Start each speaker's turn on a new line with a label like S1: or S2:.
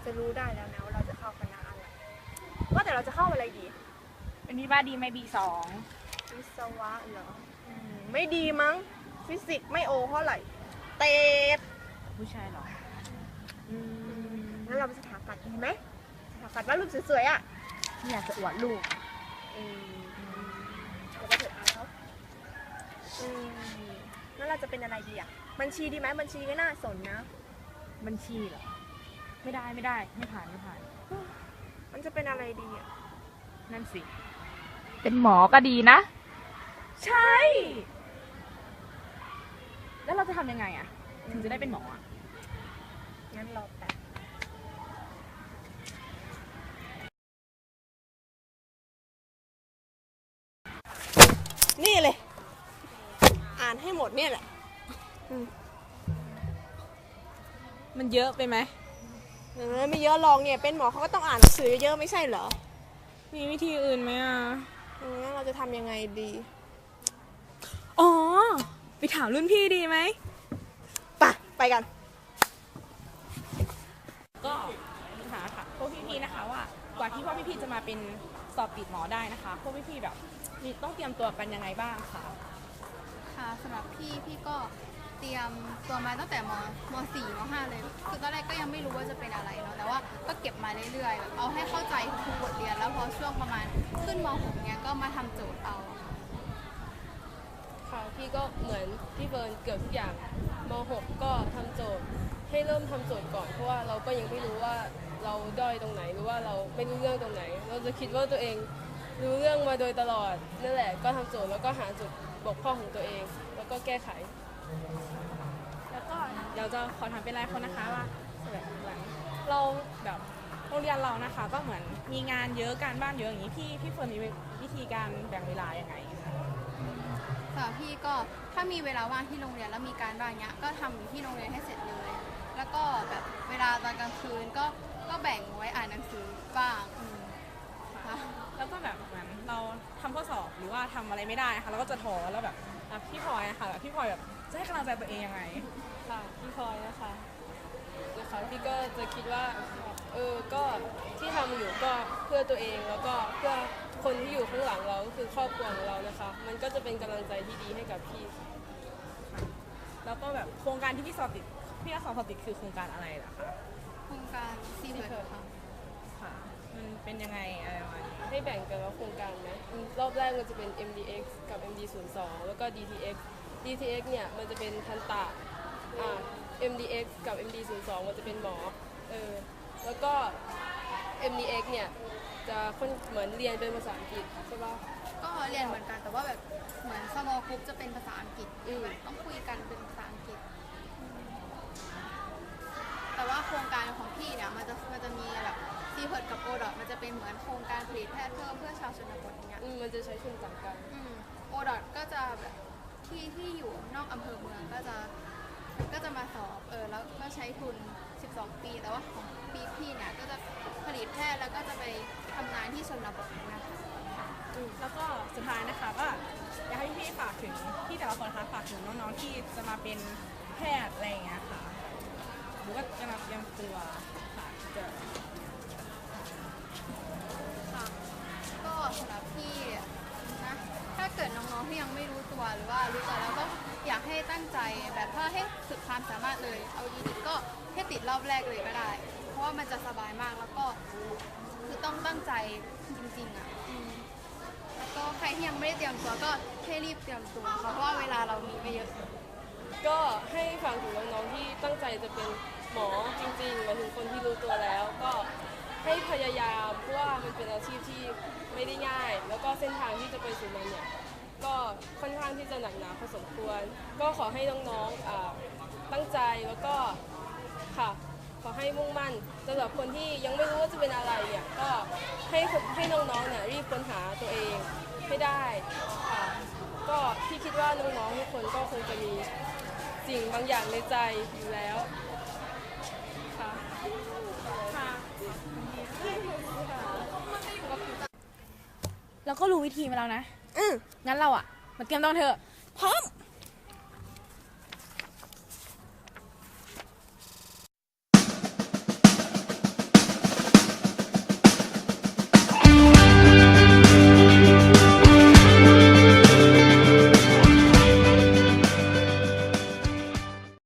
S1: จะรู้ได้แล้วนะว่าเราจะเข้าคณะอะไรว่าแต่เราจะเข้าอะไรดี
S2: เป็นที่บ้านดีไหมB2
S1: วิศวะเหรอไม่ดีมั้งฟิสิกส์ไม่โอเท่าไหร่เตด
S2: ผู้ชายหรอ
S1: งั้นเราไปสถาปัตย์ดีไหมสถาปัตย์วาดรูปสวยๆอ่ะ
S2: ไม่อยากจะอวดลูก
S1: แล้วก็เถิดอายเขางั้นเราจะเป็นอะไรดีอ่ะบัญชีดีไหมบัญชีก็น่าสนนะ
S2: บัญชีเหรอไม่ได้ไม่ผ่าน
S1: มันจะเป็นอะไรดีอ่ะ
S2: นั่นสิเป็นหมอก็ดีนะใช่แล้วเราจะทำยังไงอ่ะถึงจะได้เป็นหมออ่ะ
S1: งั้นรอแป๊บนี่เลยอ่านให้หมดเนี่ยแหละ
S2: มันเยอะไปไหม
S1: ไม่เยอะลองเนี่ยเป็นหมอเขาก็ต้องอ่านหนังสือเยอะไม่ใช่เหรอ
S2: มีวิธีอื่นไหมอ่ะ
S1: งั้นเราจะทำยังไงดี
S2: อ๋อไปถามรุ่นพี่ดีไหม
S1: ไปกัน
S2: ก็ถามค่ะพวกพี่ๆนะคะว่ากว่าที่พวกพี่ๆจะมาเป็นสอบติดหมอได้นะคะพวกพี่ๆแบบมีต้องเตรียมตัวกันยังไงบ้างคะ
S3: ค่ะสำหรับพี่ก็เตรียมตัวมาตั้งแต่ม.4 ม.5 เลยคือตอนแรกก็ยังไม่รู้ว่าจะเป็นอะไรเนาะแต่ว่าก็เก็บมาเรื่อยๆแบบเอาให้เข้าใจทุกบทเรียนแล้วพอช่วงประมาณขึ้นม.6 เนี้ยก็มาทำโจทย์เอา
S4: ค่ะพี่ก็เหมือนพี่เบิร์นเกือบทุกอย่างม.6 ก็ทำโจทย์ให้เริ่มทำโจทย์ก่อนเพราะว่าเราก็ยังไม่รู้ว่าเราด้อยตรงไหนหรือว่าเราไม่รู้เรื่องตรงไหนเราจะคิดว่าตัวเองรู้เรื่องมาโดยตลอดนั่นแหละก็ทำโจทย์แล้วก็หาจุดบกพร่องของตัวเองแล้วก็แก้ไข
S2: แล้วก็เดี๋ยวจะขอถามเป็นรายคนนะคะว่าแบบเราแบบโรงเรียนเรานะคะก็เหมือนมีงานเยอะการบ้านเยอะอย่างนี้พี่เฟิร์นมีวิธีการแบ่งเวลายังไง
S3: ค่ะพี่ก็ถ้ามีเวลาว่างที่โรงเรียนแล้วมีการบ้านเนี้ยก็ทำอยู่ที่โรงเรียนให้เสร็จเลยแล้วก็แบบเวลาตอนกลางคืนก็แบ่งไว้อ่านหนังสือบ้าง
S2: แล้วก็แบบเหมือนเราทำข้อสอบหรือว่าทำอะไรไม่ได้นะคะเราก็จะท้อแล้วแบบพี่พลอยนะคะแบบพี่พลอยแบบจะให้กำลังใจตัวเองยังไง
S4: ค่ะพี่พลอยนะคะพี่ก็จะคิดว่าก็ที่ทำอยู่ก็เพื่อตัวเองแล้วก็เพื่อคนที่อยู่ข้างหลังเราก็คือครอบครัวของเรานะคะมันก็จะเป็นกำลังใจที่ดีให้กับพี่
S2: แล้วก็แบบโครงการที่พี่สอบติดคือโครงการอะไรล่ะคะ
S3: โครงการซีเพิร์ด
S2: ค่ะมันเป็นยังไงอะไรประมาณนี้
S4: ให้แบ่งกันว่าโครงการไหมรอบแรกมันจะเป็น MDX กับ MD02 แล้วก็ DTX เนี่ยมันจะเป็นทันตะMDX กับ MD02 มันจะเป็นหมอแล้วก็ MDX เนี่ยจะเหมือนเรียนเป็นภาษาอังกฤษใช่ป่ะ
S3: ก็เรียนเหมือนกันแต่ว่าแบบเหมือน small group จะเป็นภาษาอังกฤษต้องคุยกันเป็นภาษาอังกฤษแต่ว่าโครงการของพี่เนี่ยมันจะมีแบบซีเพิร์ดกับโอดอทมันจะเป็นเหมือนโครงการผลิตแพทย์เพื่อชาวชนบทอย่างเงี้ย
S4: มันจะใช้ทุนต่างกัน
S3: โอดอทก็จะแบบที่อยู่นอกอำเภอเมืองก็จะมาสอบแล้วก็ใช้ทุน12 ปีแต่ว่าของปีพี่เนี่ยก็จะผลิตแพทย์แล้วก็จะไปทำงานที่ชนบทนะคะ
S2: แล้วก็สุดท้ายนะคะก็อยากให้พี่ฝากถึงที่แต่ละคนนะคะฝากถึงน้องๆที่จะมาเป็นแพทย์อะไรอย่างเงี้ยค่ะหรือว่าจะมาเตรียมตัวค่ะ
S3: ก็สำหรับพี่นะถ้าเกิดน้องๆที่ยังไม่รู้ตัวหรือว่ารู้ตัวแล้วก็อยากให้ตั้งใจแบบถ้าให้สุดความสามารถเลยเอาดีๆก็แค่ติดรอบแรกเลยก็ได้เพราะว่ามันจะสบายมากแล้วก็คือต้องตั้งใจจริงๆแล้วก็ใครที่ยังไม่ได้เตรียมตัวก็ให้รีบเตรียมตัวเพราะว่าเวลาเรามีไม่เยอะ
S4: ก็ให้ฟังถึงน้องๆที่ตั้งใจจะเป็นหมอจริงๆหมายถึงคนที่รู้ตัวแล้วก็ให้พยายามเพราะว่ามันเป็นอาชีพที่ไม่ได้ง่ายแล้วก็เส้นทางที่จะไปสู่มันเนี่ยก็ค่อนข้างที่จะหนักหนาพอสมควรก็ขอให้น้องๆตั้งใจแล้วก็ค่ะขอให้มุ่งมั่นสำหรับคนที่ยังไม่รู้ว่าจะเป็นอะไรเนี่ยก็ให้น้องๆเนี่ยรีบค้นหาตัวเองให้ได้ค่ะก็พี่คิดว่าน้องๆทุกคนก็คงจะมีสิ่งบางอย่างในใจอยู่แล้วค่ะ
S2: เราก็รู้วิธีมาแล้วนะงั้นเรามาเตรียมตัวเถอะพร้อม